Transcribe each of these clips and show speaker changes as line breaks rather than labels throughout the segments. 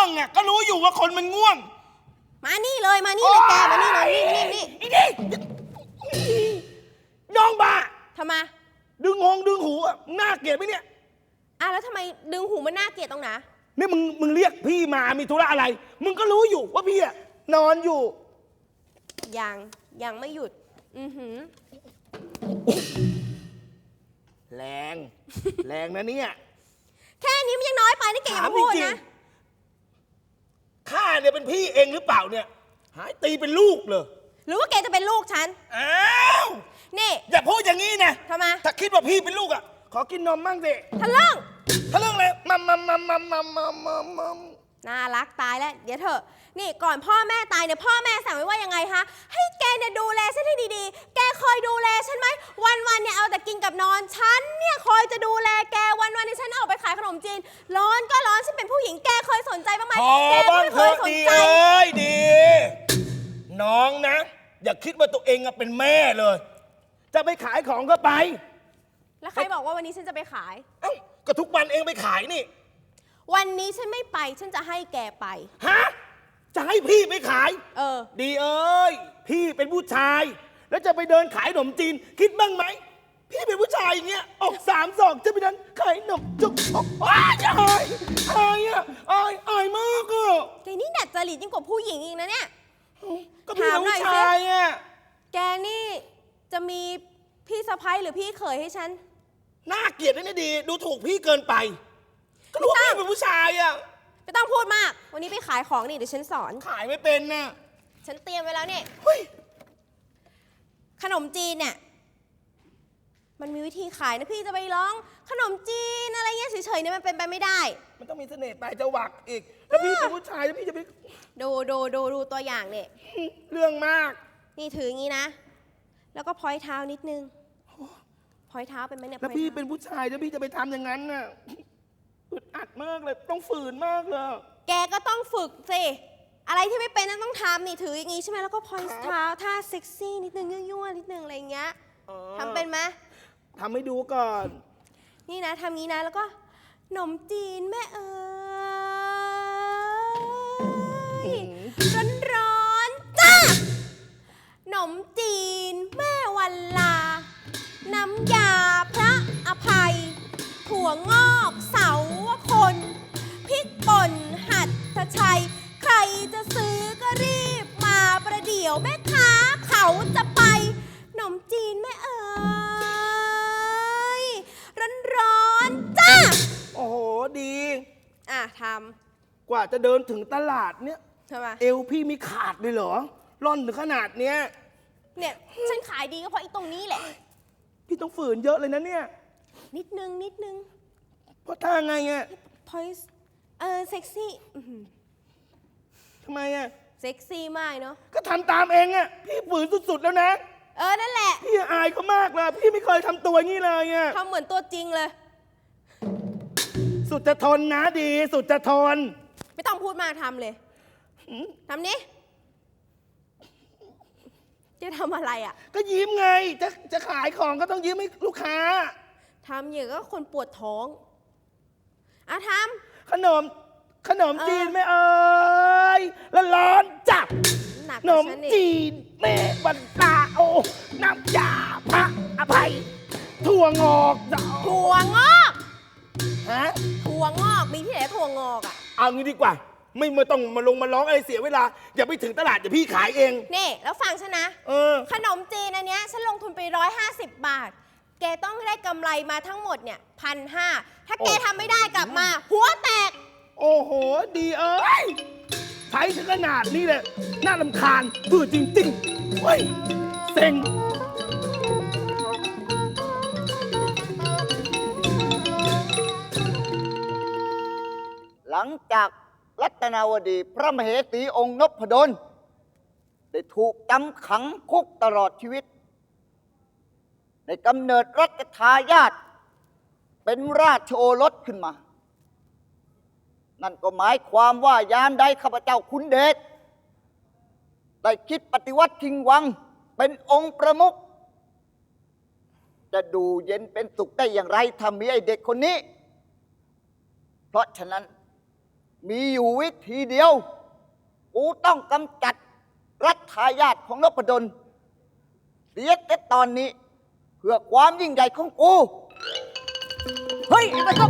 งอ่ะก็รู้อยู่ว่าคนมันง่วง
มานี่เลยแกมานี่เลยนี่
น้องบ้า
ทำไม
ดึงหูอ่ะน่าเกลียดไหมเนี่ย
แล้วทำไมดึงหูมันน่าเกลียดตรงไหน
นี่มึงเรียกพี่มามีธุระอะไรมึงก็รู้อยู่ว่าพี่อ่ะนอนอยู่
ยังไม่หยุด
แรงนะเนี่ย
แค่นี้มันยังน้อยไปนี่แกอย่าพูดนะ
ข้าเนี่ยเป็นพี่เองหรือเปล่าเนี่ยหายตีเป็นลูกเลย
หรือว่าแกจะเป็นลูกฉัน
อ้าว
นี่
อย่าพูดอย่างนี้นะ
ทำไม
ถ้าคิดว่าพี่เป็นลูกอ่ะขอกินนมมั่งสิ
ทะลึ่ง
เลยมัม
น่ารักตายแล้วเดี๋ยวเถอะนี่ก่อนพ่อแม่ตายเนี่ยพ่อแม่สั่งไว้ว่ายังไงคะให้แกเนี่ยดูแลฉันให้ดีๆแกคอยดูแลฉันไหมวันเนี่ยเอาแต่กินกับนอนฉันเนี่ยคอยจะดูแลแกวันที่ฉันออกไปขายขนมจีนร้อนก็ร้อนฉันเป็นผู้หญิงแกเคยสนใจบ้างไหมแกไม่เคยสนใจ
ดีน้องนะอย่าคิดว่าตัวเองเป็นแม่เลยจะไปขายของก็ไป
แล้วใครบอกว่าวันนี้ฉันจะไปขาย
ก็ทุกวันเองไปขายนี่
วันนี้ฉันไม่ไปฉันจะให้แกไป
ฮะจะให้พี่ไปขายดีพี่เป็นผู้ชายแล้วจะไปเดินขายขนมจีนคิดบ้างไหมพี่เป็นผู้ชายอย่างเงี้ยออก3 ศอกจะไปเดินขายขนมจุกอายมากอ่ะ
แกนี่ดัดจริตยิ่งกว่าผู้หญิงอีกนะเนี่ย
ก็พี่เป็นผู้ชายอ่ะ
แกนี่จะมีพี่สะใภ้หรือพี่เขยให้ฉัน
น่าเกลียดนะดีดูถูกพี่เกินไปก็รู้ว่าพี่เป็นผู้ชายอ่ะ
ไม่ต้องพูดมากวันนี้ไปขายของนี่เดี๋ยวฉันสอน
ขายไม่เป็นน่ะ
ฉันเตรียมไว้แล้วเนี่ยขนมจีนเนี่ยมันมีวิธีขายนะพี่จะไปร้องขนมจีนอะไรเงี้ยเฉยๆเนี่ยมันเป็นไปไม่ได้
มันต้องมีเสน่ห์ปลายจวักอีกแล้วพี่เป็นผู้ชายแล้วพี่จะไป
ดูตัวอย่างเนี่ย
เรื่องมาก
นี่ถืออย่างนี้นะแล้วก็พอยเท้านิดนึงพอยเท้าเป็นไหมเนี่ย
แล้วพี่เป็นผู้ชายแล้วพี่จะไปทำอย่างนั้นน่ะอึดอัดมากเลยต้องฝืนมากเลย
แกก็ต้องฝึกสิอะไรที่ไม่เป็นนั้นต้องทำนี่ถืออย่างนี้ใช่ไหมแล้วก็พอยเท้าท่าเซ็กซี่นิดนึงยั่วๆนิดนึงอะไรอย่างเงี้ยทำเป็นไหม
ทำให้ดูก่อน
นี่นะทำงี้นะแล้วก็ขนมจีนแม่เอ๋ยร้อนจ้าขนมจีนแม่วันลาน้ำยาพระอภัยถั่วงอกเสาวคนพริกป่นหัดชัยใครจะซื้อก็รีบมาประเดี๋ยวแม่ค้าเขาจะไปขนมจีนแม่เอ๋ยร้อนจ้า
โอ้โหดี
ท
ำกว่าจะเดินถึงตลาดเนี่ย
ทำไม
เอวพี่มีขาดเลยเหรอร่อนถึงขนาดเนี้ย
เนี่ยฉันขายดีก็เพราะไอ้ตรงนี้แหละ
พี่ต้องฝืนเยอะเลยนะเนี่ย
นิดนึง
เพราะท่าไงอ่ะ
พอยเซ็กซี่
ทำไมอ่ะ
เซ็กซี่มากเนาะ
ก็ทำตามเองอ่ะพี่ฝืนสุดๆแล้วนะ
นั่นแหละ
พี่อายเขามากเลยพี่ไม่เคยทำตัวงี้เลยอ่ะ
ทำเหมือนตัวจริงเลย
สุดจะทนนะดีสุดจะทน
ไม่ต้องพูดมากทำเลยทำนี้จะทำอะไรอ่ะ
ก็ยิ้มไงจะขายของก็ต้องยิ้มให้ลูกค้า
ทำอย่างก็คนปวดท้องทำ
ขนมจีนแม่เอ๋ยแล้วร้อนจับขนมจีนแม่บรรดาโอน้ำยาพระอภัยถั่วงอก
ถั่วงอกมีที่ไหนถั่วงอก
เอางี้ดีกว่าไม่ต้องมาร้องอะไรเสียเวลาอย่าไปถึงตลาดเดี๋ยวพี่ขายเอง
นี่แล้วฟังฉันนะขนมจีนอันเนี้ยฉันลงทุนไป150 บาทแกต้องได้กำไรมาทั้งหมดเนี่ย1,500ถ้าแกทำไม่ได้กลับมาหัวแตก
โอ้โหดีใช้ถึงขนาดนี้เลยน่ารำคาญปื้อจริงๆเฮ้ยเซ็ง
หลังจากรัตนาวดีพระมเหสีองค์นพดลได้ถูกจำขังคุกตลอดชีวิตในกำเนิดรัชทายาทเป็นราชโอรสขึ้นมานั่นก็หมายความว่ายามใดข้าพเจ้าขุนเดชได้คิดปฏิวัติชิงวังเป็นองค์ประมุขจะดูเย็นเป็นสุขได้อย่างไรถ้ามีไอเด็กคนนี้เพราะฉะนั้นมีอยู่วิธีเดียว กูต้องกำจัดรัฐทายาทของนพดลเสียแต่ตอนนี้ เพื่อความยิ่งใหญ่ของกู
เฮ้ยไอ้ก็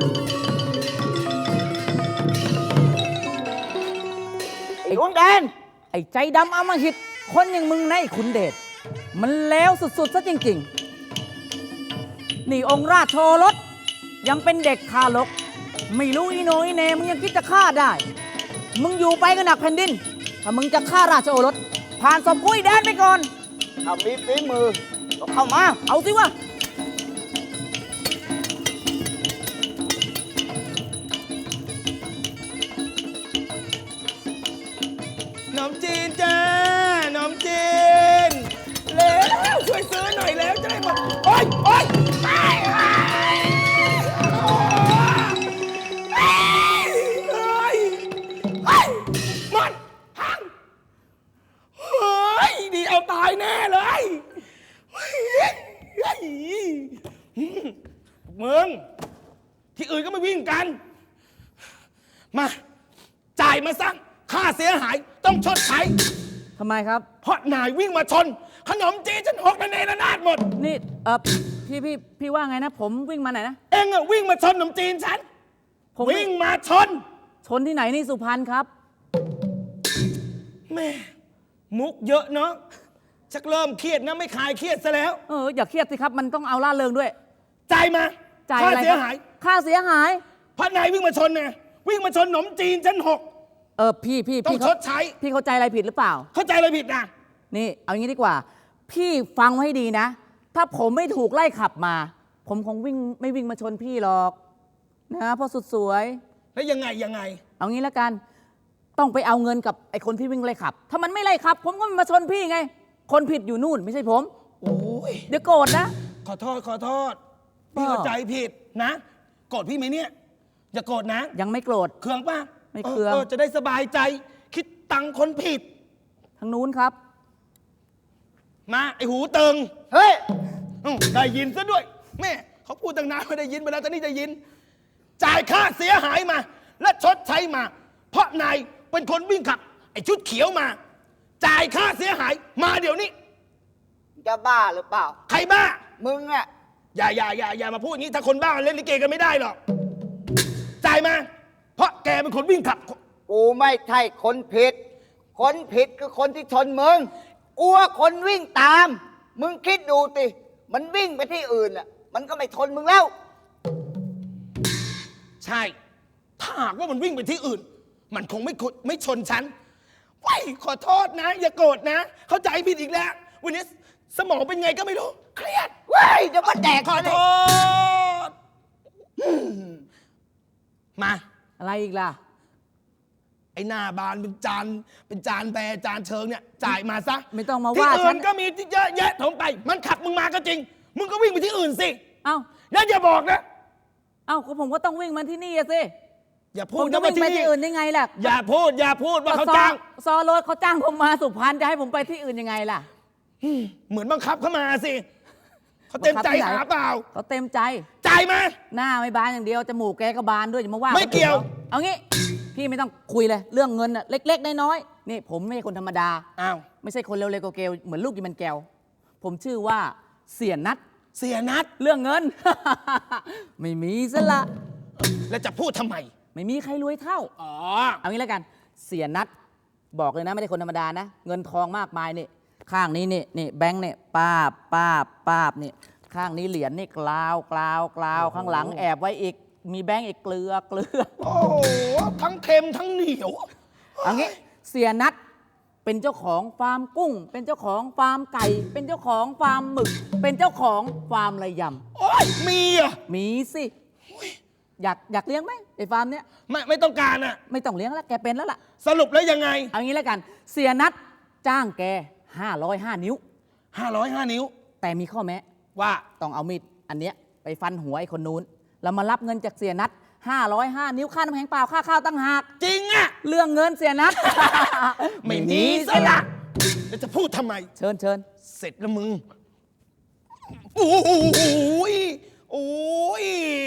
ไอ้ดวงแดน
ไอ้ใจดำอำมหิต คนอย่างมึงนะไอ้ขุนเดช มันแล้วสุดๆซะจริงๆ นี่องค์ราชโอรสยังเป็นเด็กทารก ไม่รู้อีโหนอีเหนมึงยังคิดจะฆ่าได้ มึงอยู่ไปก็หนักแผ่นดิน ถ้ามึงจะฆ่าราชโอรส ผ่านศพกุ้ยแดนไปก่อน
ถ้ามีฝีมือก็เข้ามา
เอาสิวะ
ขนมจีนจ้าขนมจีนเร็วช่วยซื้อหน่อยแล้วจะได้หมดโอ๊ยโอ๊ยไปหมดพังเฮ้ยดีเอาตายแน่เลยมึงที่อื่นก็ไม่วิ่งกัน มา จ่ายมาซะค่าเสียหายต้องชดใช้
ทำไมครับ
เพราะนายวิ่งมาชน ขนมจีนฉันหกระเนระนาดหมด
นี่พี่ว่าไงนะ ผมวิ่งมาไหนนะ
เอ็งอะวิ่งมาชนขนมจีนฉัน
ผม
วิ่งมาชน
ชนที่ไหนนี่สุพรรณครับ
แม่มุกเยอะเนาะชักเริ่มเครียดนะไม่คลายเครียดซะแล้ว
อย่าเครียดสิครับ มันต้องเอาล่าเริงด้วย
จ่ายมา
จ่าย
ค่า
อะไร
เสี
ค
ย
รับ
หาย
ค่าเสียหาย
เพราะนายวิ่งมาชนไงวิ่งมาชนขนมจีนฉันหก
พี่
ต้องชดใช้
พี่เข้าใจอะไรผิดหรือเปล่า
เข้าใจอะไรผิดนะ
นี่ เอางี้ดีกว่า พี่ฟังไว้ให้ดีนะ ถ้าผมไม่ถูกไล่ขับมา ผมคงไม่วิ่งมาชนพี่หรอกนะเพราะสุดสวย
แล้วยังไง
เอางี้แล้วกัน ต้องไปเอาเงินกับไอ้คนที่วิ่งไล่ขับ ถ้ามันไม่ไล่ขับ ผมก็ไม่มาชนพี่ไง คนผิดอยู่นู่นไม่ใช่ผม
โอ้ย
เดี๋ยวโกรธนะ
ขอโทษพี่เข้าใจผิดนะโกรธพี่ไหมเนี่ยอย่าโกรธนะ
ยังไม่โกรธ
เคืองป่ะ
ไม่เคือง
จะได้สบายใจ คิดตังค์คนผิด
ทางนู้นครับ
มาไอหูเติง
เฮ้ย
ได้ยินซะด้วย แม่เขาพูดตั้งนานไม่ได้ยินไปแล้วตอนนี้จะยิน จ่ายค่าเสียหายมา และชดใช้มา เพราะนายเป็นคนวิ่งขับ ไอชุดเขียวมา จ่ายค่าเสียหายมาเดี๋ยวนี้
จะบ้าหรือเปล่า
ใครบ้า
มึงอะ
อย่ามาพูดอย่างนี้ถ้าคนบ้าเล่นลิเกกันไม่ได้หรอกจ่ายมา เพราะแกเป็นคนวิ่งขับ
กูไม่ใช่คนผิด คนผิดคือคนที่ชนมึงกูว่าคนวิ่งตาม มึงคิดดูติ มันวิ่งไปที่อื่นอะมันก็ไม่ชนมึงแล้ว
ใช่ ถ้าหากว่ามันวิ่งไปที่อื่น มันคงไม่ชนฉันว้ายขอโทษนะ อย่าโกรธนะ เข้าใจผิดอีกแล้ว วันนี้สมองเป็นไงก็ไม่รู้ เครียด
เว้ยเดี๋ยวมาแดก
ขอโทษ มา
อะไรอีกล่ะ
ไอ้หน้าบานเป็นจานแบร์จานเชิงเนี่ย จ่ายมาซะ
ไม่ต้องมา
ที่
ว่าฉั
อื่
น
นก็มีเยอะแยะถมไป มันขับมึงมาก็จริง มึงก็วิ่งไปที่อื่นสิ
เอ้า
แล้วอย่าบอกนะ
ก็ผมก็ต้องวิ่งมาที่นี่อะสิ
อย่าพู
ผ
ด
ม
นะ
จะ
ว่า
วิ่งไป
ที่
ที่
นี่
อื่นได้ไงล่ะ
อย่าพูดว่าเขาจ้าง
ซอโรถเขาจ้างผมมาสุพรรณจะให้ผมไปที่อื่นยังไงล่ะ
เหมือนบังคับเข้ามาสิเขาเต็มใจ
บังคับที่ไหน
หาเปล่า
เขาเต็มใจ
จ่ายมา
หน้าไม่บานอย่างเดียว จมูกแกก็บานด้วยอย่ามาว่า
ไม่เกี่ยว
เอางี้ พี่ไม่ต้องคุยเลย เรื่องเงินน่ะเล็กๆน้อยๆนี่ผมไม่ใช่คนธรรมดา
อ้าว
ไม่ใช่คนเร็วๆเกลๆเหมือนลูกยิมันแก้ว ผมชื่อว่าเสียนัด
เสียนัด
เรื่องเงิน ไม่มีซะละ
แล้วจะพูดทำไม
ไม่มีใครรวยเท่า
อ๋อ
เอางี้แล้วกัน เสียนัด บอกเลยนะไม่ได้คนธรรมดานะ เงินทองมากมายนี่ ข้างนี้นี่แบงค์นี่ป้าบนี่ ข้างนี้เหรียญนี่กลาวข้างหลังแอบไว้อีก มีแบงค์อีกเกลือ
โอ้โหทั้งเค็มทั้งเหนียว
เอางี้เสียนัดเป็นเจ้าของฟาร์มกุ้ง เป็นเจ้าของฟาร์มไก่ เป็นเจ้าของฟาร์มหมึก เป็นเจ้าของฟาร์มระย
โอ้ยมีเหรอ่ะ
ำมีสิอยากเลี้ยงไหมไอ้ฟาร์มเนี้ย
ไม่ต้องการอ่ะ
ไม่ต้องเลี้ยงแล้วแกเป็นแล้วล่ะ
สรุปแล้วยังไง
เอางี้แล้วกัน เสียนัดจ้างแก505 นิ้ว
505 นิ้ว
แต่มีข้อแม้
ว่า
ต้องเอามีดอันเนี้ยไปฟันหัวไอ้คนนู้นแล้วมารับเงินจากเสียนัด505 นิ้วค่าน้ำแข็งเปล่าค่าข้าวตั้งหาก
จริงอ่ะ
เรื่องเงินเสียนัด
ไม่มีซะละแล้วจะพูดทำไม
เชิญ
เสร็จแล้วมึง โอ้ย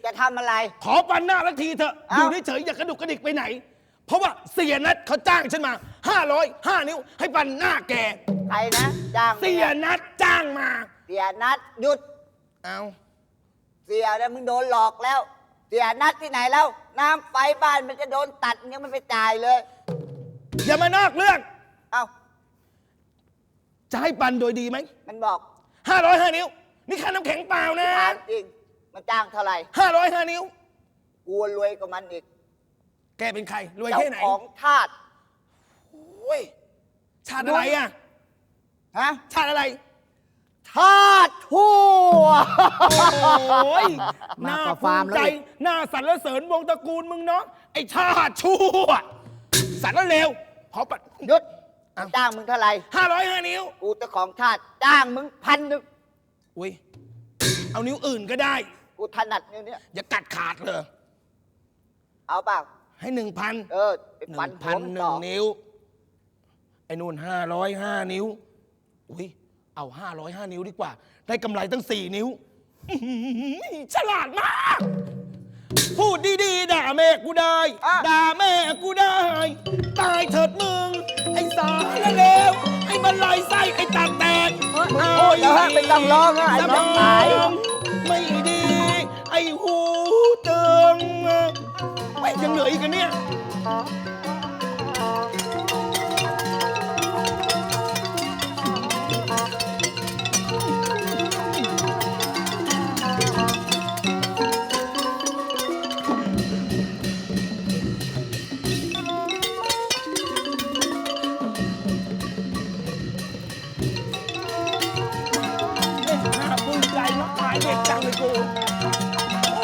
จะทำอะไร
ขอปันหน้าละทีเถอะอ
เอ้า
ยู่เฉยๆอย่ากระดุกกระดิกไปไหน เพราะว่าเสียนัดเขาจ้างฉันมา505 นิ้ว ให้ปันหน้าแก
ใครนะจ้าง
เสียนัดจ้างมา
เสียนัดหยุด
เอา
เสียนะมึงโดนหลอกแล้ว เสียนัดที่ไหนแล้ว น้ำไฟบ้านมันจะโดนตัดยังไม่ไปจ่ายเลย
อย่ามานอกเรื่อง
เอ้า
จะให้ปันโดยดีไหม
มันบอก
505 นิ้ว นี่ค่าน้ำแข็งเปล่านะ
ถามจริงมันจ้างเท่าไหร่
505 นิ้ว
กูรวยกว่ามันอีก
แกเป็นใคร รวย
เจ้า
แค่ไหน
ของทาส
โอ้ยชาติอะไรอ่ะ
ฮะ
ชาติอะไร
ทาสทั่ว
โอ้ย
มาก
น่าก
ว่า
ภู
ฟาร์ม
มิ
แล้ว
ใจ
อีก
น่าสรรเสริญวงตระกูลมึงเนาะ ไอ้ชาติชั่วสารเลวขอปัด
หยุด
เอ้า
จ้างมึงเท่าไหร่
505 นิ้ว
กูเจ้าของทาสจ้างมึง1,000
อุ้ย เอานิ้วอื่นก็ได้
กูถนัดนิ้วเนี้ย
อย่ากัดขาดเลย
เอาเปล่า
ให้ 1,000
เออไปฟันหัวมึงต่อ
1,001 นิ้ว ไอ้นู่น505 นิ้ว อุ้ย เอา505 นิ้วดีกว่า ได้กำไรตั้ง 4 นิ้วอื้อหือฉลาดมาก พูดดีๆ ด่าแม่กูได้
อ่ะ
ด่าแม่กูได้ ตายเถิดมึง ไอ้สารเลว ไอ้มันลายไส้ ไอ้ตาแตก
มึงพูดแล้วฮะเป็นต้องร้องอ่ะไอ้น้องตาย
ไม่ดี ไอ้หูตึงไม่ยังเหลืออีกกันเนี่ย น่าภูมิใจมากมายเด็กจังเลยกูโอ้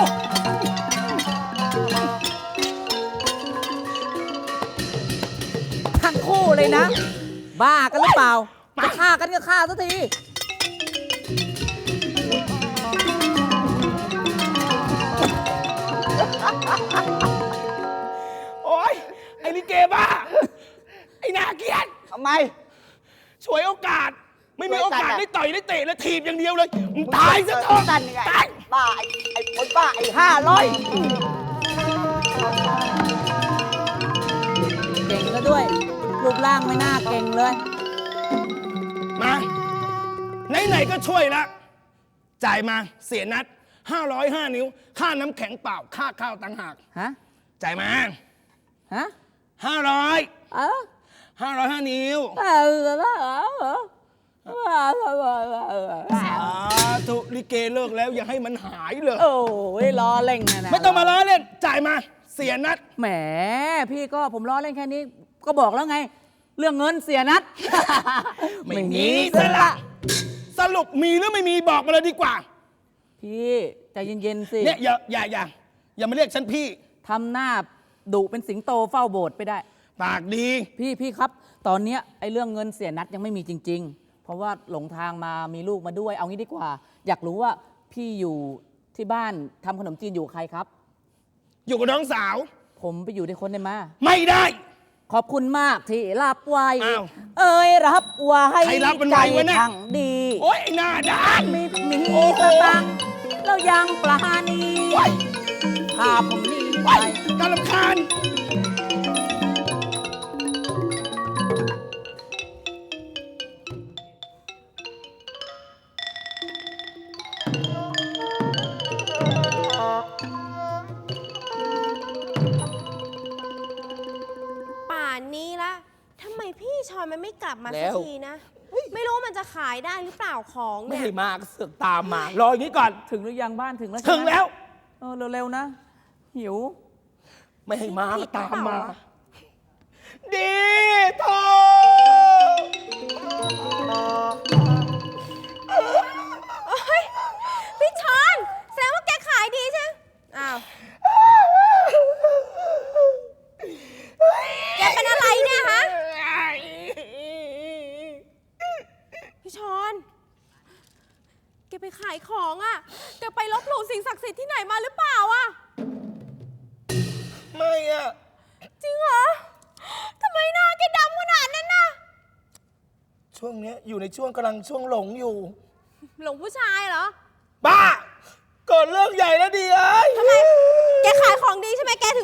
ทั้งคู่เลยนะ บ้ากันหรือเปล่าจะฆ่ากันก็ฆ่าสักที
โอ๊ย ไอ้ลิเกบ้า ไอ้นาเกลียด
ทำไม
ช่วยโอกาส ไม่มี
ช่
โอ
วยกัน
กาส
อะ
ได้ต่อยได้เตะและถีบอย่างเดียวเลยมึงตายซะเถอะ
สั้นยังไง
ตาย
บ้าไอ้คนบ้าไอ้500
เก่งก็ด้วย รูปร่างไม่น่าเก่งเลย
มา ไหนๆก็ช่วยละจ่ายมาเสียนัด 505 นิ้ว ค่าน้ำแข็งเปล่า ค่าข้าวต่างหาก
ฮะ
จ่ายมา
ฮะ
500
เออ
505 นิ้ว สาธุลิเกเลิกแล้วอย่าให้มันหายเลย
โอ้ยล้อเล่นนะ
ไม่ต้องมาล้อเล่น จ่ายมา เสียนัด
แหม พี่ก็ผมล้อเล่นแค่นี้ ก็บอกแล้วไง เรื่องเงินเสียนัด
ไม่มีซะละ สรุปมีหรือไม่มีบอกมาเลยดีกว่า
พี่ใจเย็นๆสิ
เนี่ยอย่ามาเรียกฉันพี่
ทำหน้าดุเป็นสิงโตเฝ้าโบสถ์ไปได้
ปากดี
พี่ครับ ตอนเนี้ยไอ้เรื่องเงินเสียนัดยังไม่มีจริง ๆ เพราะว่าหลงทางมามีลูกมาด้วย เอางี้ดีกว่า อยากรู้ว่าพี่อยู่ที่บ้านทำขนมจีนอยู่กับใครครับ
อยู่กับน้องสาว
ผมไปอยู่ในคนได้มา
ไม่ได้
ขอบคุณมากที่รับไว้
อ้าว
เอ้ยรับไว้
ใครรับมันไว้วะเนี่ย
ใจทั้งดี
โอ๊ยไอ้หน้าด้าน
มี
โอ้โห
สตังค์แล้วยังปลาณี
โอ๊ย
พาผมหนี่
โอ๊
ไป
ยน่ารำคาญ
ป่านนี้ละทำไมพี่ชอนมันไม่กลับมา
แล้
สัก
ว
ทีนะ ไม่รู้มันจะขายได้หรือเปล่าของ
ไม่
เนี่ย
ให้มาก็เสือกตามมา รออย่างนี้ก่อน
ถึงหรือยังบ้านถึงแล้ว
ถึงแล้ว
เออเร็วๆนะ หิว
ไม่ให้มาก็ตามมา
ผิดหรือเปล่าวะ
ดีโท
โอ๊ยพี่ชอนแสดงว่าแกขายดีใช่ไหมอ้าว แกเป็นอะไรเนี่ยฮะ พี่ชอน แกไปขายของอ่ะ แกไปลบหลู่สิ่งศักดิ์สิทธิ์ที่ไหนมาหรือเปล่าอ่ะ
ไม่อะ
จริงเหรอ ทำไมหน้าแกดำขนาดนั้นน่ะ
ช่วงเนี้ยอยู่ในช่วงกำลังช่วงหลงอยู่
หลงผู้ชายเหรอ
บ้า เกิดเรื่องใหญ่แล้วดีเอ้ย
ทำไม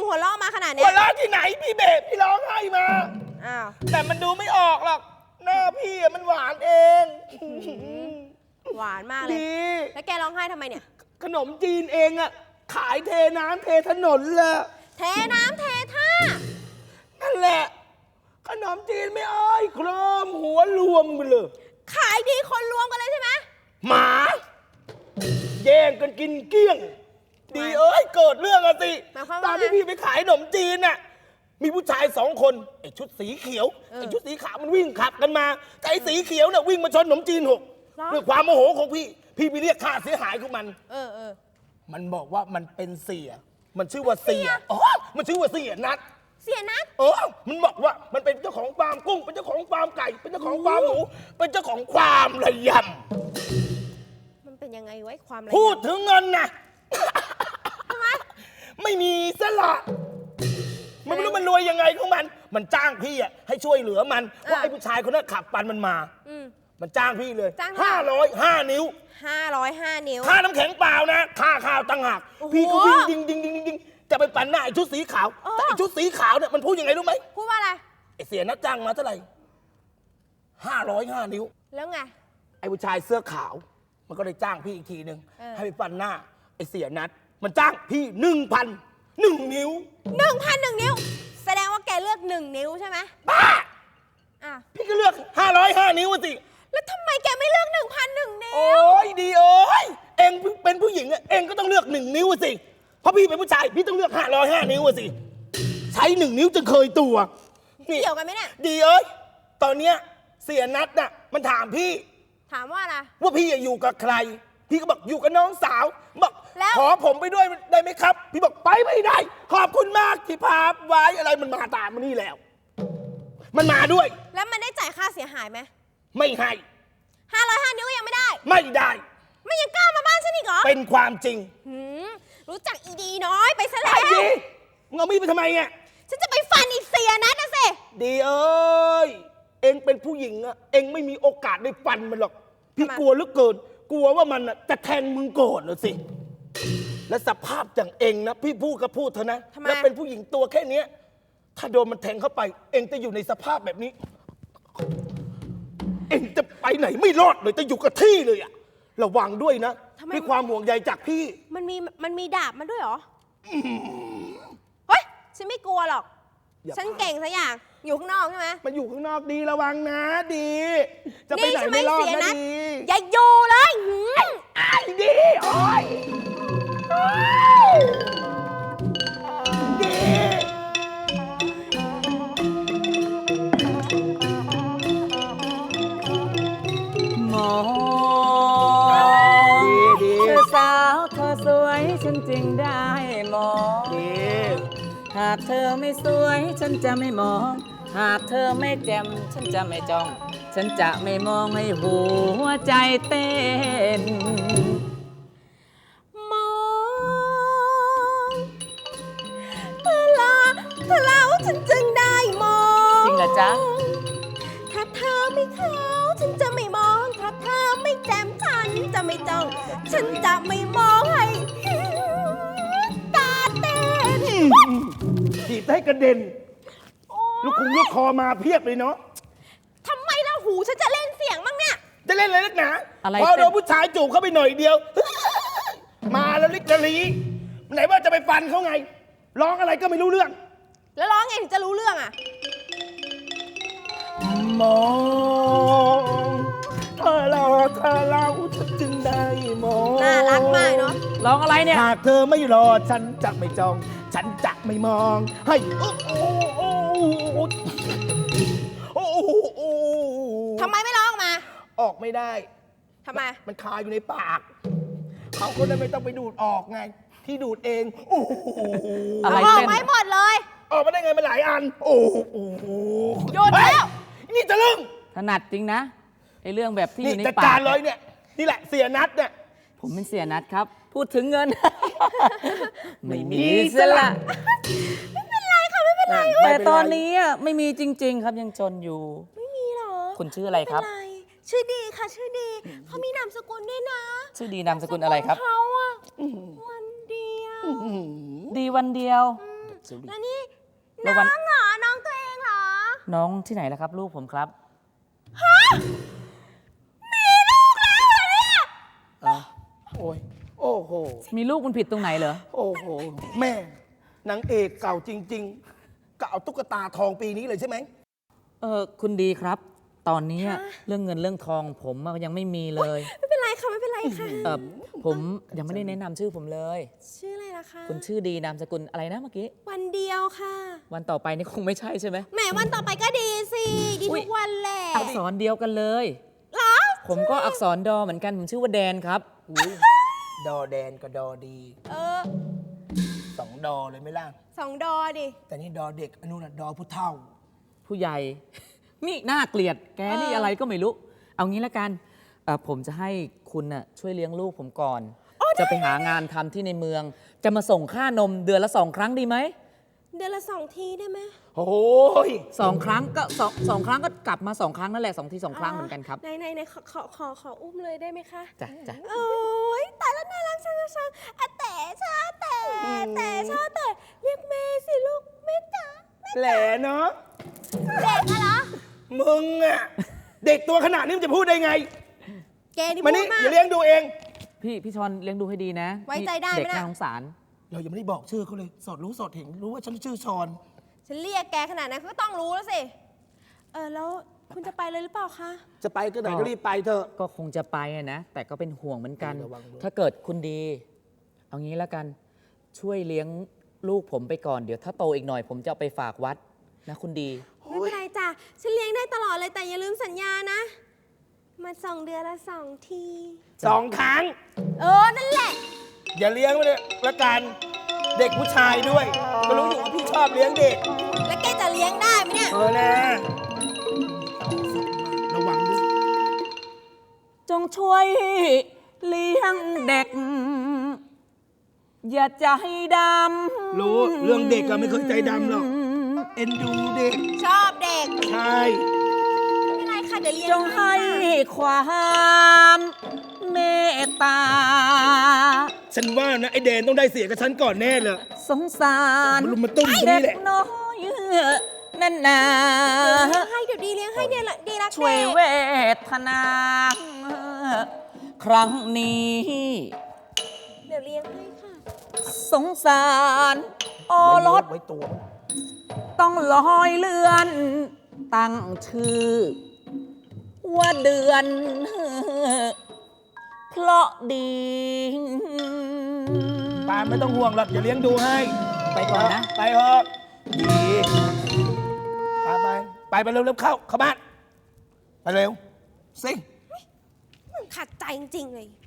หัวเราะมาขนาดเนี้
หั
ยว
เราะที่ไหนพี่เบสพี่ร้องไห้มา
อ้าว
แต่มันดูไม่ออกหรอกหน้าพี่อะมันหวานเอง
หวานมากเลย
ดี
แล้วแกร้องไห้ทำไมเนี่ย
ขนมจีนเองอะขายเทน้ำเทถนนเลย
เทน้ำเทท่า
นั่นแหละ ขนมจีนไม่อ้อยโครมหัวรวมไปเลย
ขายดีคนรวมกันเลยใช่ไหม
หมา แย่งกันกินเกลี้ยง ดีเอ้ยเกิดเรื่องอะสิ
หมายความ
ตอ
ว่าน ไง
ที่พี่ไปขายขนมจีนน่ะมีผู้ชาย2 คนไอ้ชุดสีเขียว
เออ
ไอ้ชุดสีขาวมันวิ่งขับกันมาแต่ไอ้สีเขียวเนี่ยวิ่งมาชนขนมจีน6
เหรอ
ด้วยความโมโหของพี่ไปเรียกค่าเสียหายของมัน
เออ
มันบอกว่ามันเป็นเสีย มันชื่อว่าเสียอ๋อมันชื่อว่าเสียนัด
เสียนัด
มันบอกว่ามันเป็นเจ้าของฟาร์มกุ้ง เป็นเจ้าของฟาร์มไก่ เป็นเจ้าของฟาร์มหมู เป็นเจ้าของฟาร์มระย
มันเป็นยังไงไว้ความอะไร
ำพูดถึงเงินนะ
ทำไม
ไม่มีสละมันไม่รู้มันรวยยังไงของมัน มันจ้างพี่อะให้ช่วยเหลือมันว่าไอ้ผู้ชายคนนั้นขับปันมันมา
อืม
มันจ้างพี่เลย
จ้างเท่าไหร่
505 นิ้ว
505 นิ้ว
ค่าน้ำแข็งเปล่านะ ค่าข้าวตั้งหาก
โอ้โห
พี่ก็วิ่งดิงจะไปปั่นหน้าไอ้ชุดสีขาว
เออ
แต่ไอ้ชุดสีขาวเนี่ยมันพูดยังไงรู้ไหม
พูดว่าอะไร
ไอ้เสียนัดจ้างมาเท่าไหร่505 นิ้ว
แล้วไง
ไอ้ผู้ชายเสื้อขาว มันก็เลยจ้างพี่อีกทีหนึ่ง
เออ
ให้ไปปั่นหน้า ไอ้เสียนัด มันจ้างพี่1,001 นิ้ว
1,001 นิ้ว แสดงว่าแกเลือก 1 นิ้วใช่ไหม
บ้า
อ่ะ
พี่ก็เลือก505 นิ้วอะสิ
แล้วทำไมแกไม่เลือก 1,001 นิ้
โอ้
วย
ดีเอ้ยเองเป็นผู้หญิงอะเองก็ต้องเลือก1 นิ้วอะสิ เพราะพี่เป็นผู้ชาย พี่ต้องเลือก505 นิ้วอะสิ ใช้1 นิ้วจนเคยตัวนี่
เกี่ยวกันไหมเนี่ย
ดีเอ้ยตอนเนี้ยเสียนัดน่ะมันถามพี่
ถามว่าอะไร
ว่าพี่อยู่กับใคร พี่ก็บอกอยู่กับน้องสาวบอก
แล้ว
ขอผมไปด้วยได้ไหมครับ พี่บอกไปไม่ได้ ขอบคุณมากที่พาไว้อะไรมันมาตามมานี่แล้ว มันมาด้วย
แล้วมันได้จ่ายค่าเสียหายไหม
ไม่ให้
505 นิ้วก็ยังไม่ได้
ไม่ได้
ไม่ยังกล้ามาบ้านฉันอีกเหรอ
เป็นความจริง
หืมรู้จักอีดีน้อยไปซะ
ไอ้
แล้ว
ดีมึงเอามีดไปทำไมเนี่ย
ฉันจะไปฟันอีกเสียนัดนะสิ
ดีเอ้ยเองเป็นผู้หญิงอะเองไม่มีโอกาสได้ฟันมันหรอกพี่กลัวเหลือเกิน กลัวว่ามันอะจะแทงมึงก่อนเลยสิ และสภาพอย่างเองนะพี่พูดก็พูดเถอะนะ
ทำไม
แล้วเป็นผู้หญิงตัวแค่เนี้ยถ้าโดนมันแทงเข้าไป เองจะอยู่ในสภาพแบบนี้ เองจะไปไหนไม่รอดเลยจะอยู่กับที่เลยอะระวังด้วยนะด้วยความห่วงใยจากพี่
มันมีดาบมาด้วยเหรอเฮ้ยฉันไม่กลัวหรอก
อย่า
ฉันเก่งซะอย่าง อยู่ข้างนอกใช่ไหม
มันอยู่ข้างนอกดีระวังนะดี จะไป
นี่
ไหน
ใช่ไหม
ไม่รอด
เสีย
นะ
นัด
ดี
อย่าอยู่เลยหืม
ไอ้ดีโอ้ยดี
มอง
ดี
เธอสาวเธอสวยฉันจึงได้มอง
ดี
หากเธอไม่สวยฉันจะไม่มอง หากเธอไม่แจ่มฉันจะไม่จ้อง ฉันจะไม่มองให้หัวใจเต้น
มองเธอแล้วฉันจึงได้มอง
จริงเหรอจ๊ะ
ถ้าเธอไม่ขาวฉันจะไม่มอง ถ้าเธอไม่แจ่มฉันจะไม่จ้อง ฉันจะไม่มองให้ตาเต้น
ถีบให้กระเด็น
โอ๊
ลูก
ย
คุงลูกคอมาเพียบเลยเนาะ
ทำไมล่ะหูฉันจะเล่นเสียงบ้างเนี่ย
จะเล่นอะไรนักหนา
อะไร
พอโดนผู้ชายจูบเข้าไปหน่อยเดียว มาแล้วลิกละลีไหนว่าจะไปฟันเขาไง ร้องอะไรก็ไม่รู้เรื่อง
แล้วร้องไงถึงจะรู้เรื่องอ่ะ
มองเธอเราฉันจึงได้มอง
น่ารักมากเนาะ
ร้องอะไรเนี่ย
หากเธอไม่รอฉันจะไม่จอง ฉันจะไม่มอง ให้โอ้โอ้
ทำไมไม่ร้องออกมา
ออกไม่ได้
ทำไม
มันคาอยู่ในปาก เขาก็เลยไม่ต้องไปดูดออกไง ที่ดูดเองโอ้โห
อะไร
ออก
เต้น
ไม่หมดเลย
ออกมาได้ไงมันหลายอัน โอ้โห
หยุดแล้ว
เฮ้ยนี่จะลึง
ถนัดจริงนะไอเรื่องแบบที่อ
นี่
ยู่ใน
จัด
ปาก
การเลยเนี่ย นี่แหละเสียนัดเนี่ย
ผมเป็นเสียนัดครับ พูดถึงเงิน ไม่มี
มี
ส
ส
ละ
ละ
ไม่เป็นไรค่ะไม่เป็นไร
แต่ตอนนี้อะไม่มีจริง ๆ ครับยังจนอยู่
ไม่มีหรอ
คุณชื่ออะไรครับ
ม่เป็นไชื่อดีค่ะชื่อดี เขามีนามสกุลด้วยนะ
ชื่อดีนามสกุลอะไรครับ
เขาอะวันเดียว
ดีวันเดียว
เสียวดิ
แล้วนี่
แล้
น้
ววัน
องเหรอ น้องตัวเองเหรอ
น้องที่ไหนล่ะครับ ลูกผมครับ
โอ้ยโอ้โห
มีลูกมันผิดตรงไหนเหรอ
โอ้โห แม่นางเอกเก่าจริงๆก็เอาตุ๊กตาทองปีนี้เลยใช่ไหม
คุณดีครับ ตอนนี้
คะ
เรื่องเงินเรื่องทองผมอะยังไม่มีเลย
ไม่เป็นไรค่ะ ไม่เป็นไรค่ะ
ผมยังไม่ได้แนะนำชื่อผมเลย
ชื่ออะไรล่ะคะ
คุณชื่อดีนามสกุลอะไรนะเมื่อกี้
วันเดียวค่ะ
วันต่อไปนี่คงไม่ใช่ใช่ไหม
แหมวันต่อไปก็ดีสิ ดี
อุ๊
ทุ
ย
กวันแหละ
อักษรเดียวกันเลย
เหรอ
ผมก็อักษรดอเหมือนกัน ผมชื่อว่าแดนครับ
อุ๊ยดอแดนกับดอดี
เออ
สองดอเลยไหม่ล่ะ
2 ดอดิ
แต่นี่ดอเด็กอันนู้นน่ะดอผู้เฒ่า
ผู้ใหญ่ นี่น่าเกลียด แกนี่อะไรก็ไม่รู้ เอางี้ละกันผมจะให้คุณน่ะช่วยเลี้ยงลูกผมก่อน จะไปหางานทำที่ในเมือง จะมาส่งค่านมเดือนละ2 ครั้งดีไหม
เดือนละ 2 ทีได้ไหม
โอ้ย
2 ครั้งก็สองครั้งก็กลับมา2 ครั้งนั่นแหละ2 ที 2 ครั้งเหมือนกันครับ
ไหนขออุ้มเลยได้ไหมคะ
จ้ะจ้ะ
โอ้ยตายแล้วน่ารักช่างอะแต่ชาแต่เรียกแม่สิลูกแม่จ๋า
แหลเนาะ
เด็กอะเหรอ
มึงอะเด็กตัวขนาดนี้มันจะพูดได้ไง
แกนี่
มา
พู
นี่
ดมาก
อย่าเลี้ยงดูเอง
พี่ชอนเลี้ยงดูให้ดีนะ
ไว้ใจได้ไหม
เด็ก
น่ะ
น่าสงสาร
เรายังไม่ได้บอกชื่อเขาเลย สอดรู้สอดเห็นรู้ว่าฉันชื่อชอน
ฉันเรียกแกขนาดนั้นก็ต้องรู้แล้วสิ แล้วคุณจะไปเลยหรือเปล่าคะ
จะไปก็ไหนก็รีบไปเถอะ
ก็คงจะไปอะนะ แต่ก็เป็นห่วงเหมือนกัน
ระวังด้วย
ถ้าเกิดคุณดี เอางี้แล้วกัน ช่วยเลี้ยงลูกผมไปก่อน เดี๋ยวถ้าโตอีกหน่อย ผมจะเอาไปฝากวัดนะคุณดี
ไม่เป็นไรจ้ะ ฉันเลี้ยงได้ตลอดเลยแต่อย่าลืมสัญญานะ มาส่งเดือนละ 2 ที
2 ครั้ง
นั่นแหละ
อย่าเลี้ยงไว้เลยละกัน เด็กผู้ชายด้วย ก็รู้อยู่ว่าพี่ชอบเลี้ยงเด็ก
แล้วแกจะเลี้ยงได้ไหมเนี่ย
นะระวังด้วย
จงช่วยเลี้ยงเด็ก อย่าใจดำ
รู้เรื่องเด็กอะไม่เคยใจดำหรอก เอ็นดูเด็ก
ชอบเด็ก
ใช่
ไม่เป็นไรค่ะ เดี๋ยวเลี้ยง
จงให้ความเมตตา
ฉันว่านะไอแดนต้องได้เสียกับฉันก่อนแน่เลย
สงสาร
มันลุมมาตุ้มตรง
เด็
นี้
ก
แหละ
น้อยนั่นนา
เดี๋ยวดีเลี้ยงให้เดี๋ยวดีรัก
ช่วย
เด็ก
เวทนา ครั้งนี้
เดี๋ยวเลี้ยงให้ค่ะ
สงสารโอรส
ไว้ตัว
ต้องลอยเลื่อน ตั้งชื่อ ว่าเดือน เพราะดี
ปานไม่ต้องห่วงหรอกอย่าเลี้ยงดูให้
ไปก่อนนะ
ไปเถอะดีไปเร็วๆเข้าบ้าน ไปเร็ว สิ
ขัดใจจริงๆเลย